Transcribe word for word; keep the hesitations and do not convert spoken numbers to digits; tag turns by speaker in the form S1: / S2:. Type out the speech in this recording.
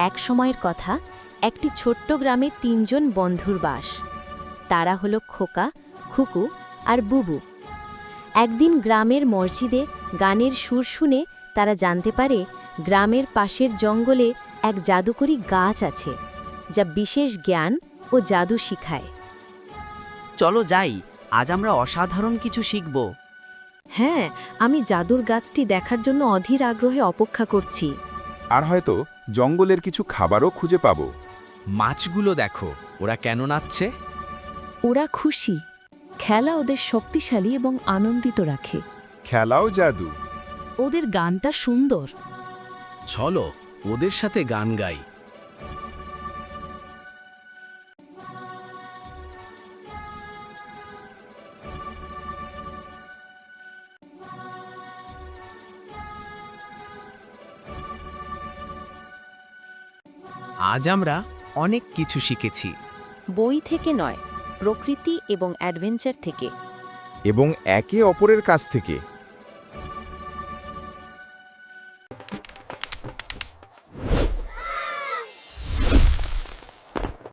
S1: এক সময়ের কথা, একটি ছোট্ট গ্রামে তিনজন বন্ধুর বাস। তারা হলো খোকা, খুকু আর বুবু। একদিন গ্রামের মসজিদে গানের সুর শুনে তারা জানতে পারে গ্রামের পাশের জঙ্গলে এক জাদুকরী গাছ আছে, যা বিশেষ জ্ঞান ও জাদু শিখায়।
S2: চলো যাই, আজ আমরা অসাধারণ কিছু শিখব।
S1: হ্যাঁ, আমি জাদুর গাছটি দেখার জন্য অধীর আগ্রহে অপেক্ষা করছি।
S3: আর হয়তো জঙ্গলের কিছু খাবারও খুঁজে পাবো।
S4: মাছগুলো দেখো, ওরা কেন নাচছে?
S1: ওরা খুশি। খেলা ওদের শক্তিশালী এবং আনন্দিত রাখে।
S3: খেলাও জাদু।
S1: ওদের গানটা সুন্দর।
S4: চলো ওদের সাথে গান গাই। আজ আমরা অনেক কিছু শিখেছি।
S1: বই থেকে নয়, প্রকৃতি এবং অ্যাডভেঞ্চার থেকে।
S3: এবং একে অপরের কাছ থেকে।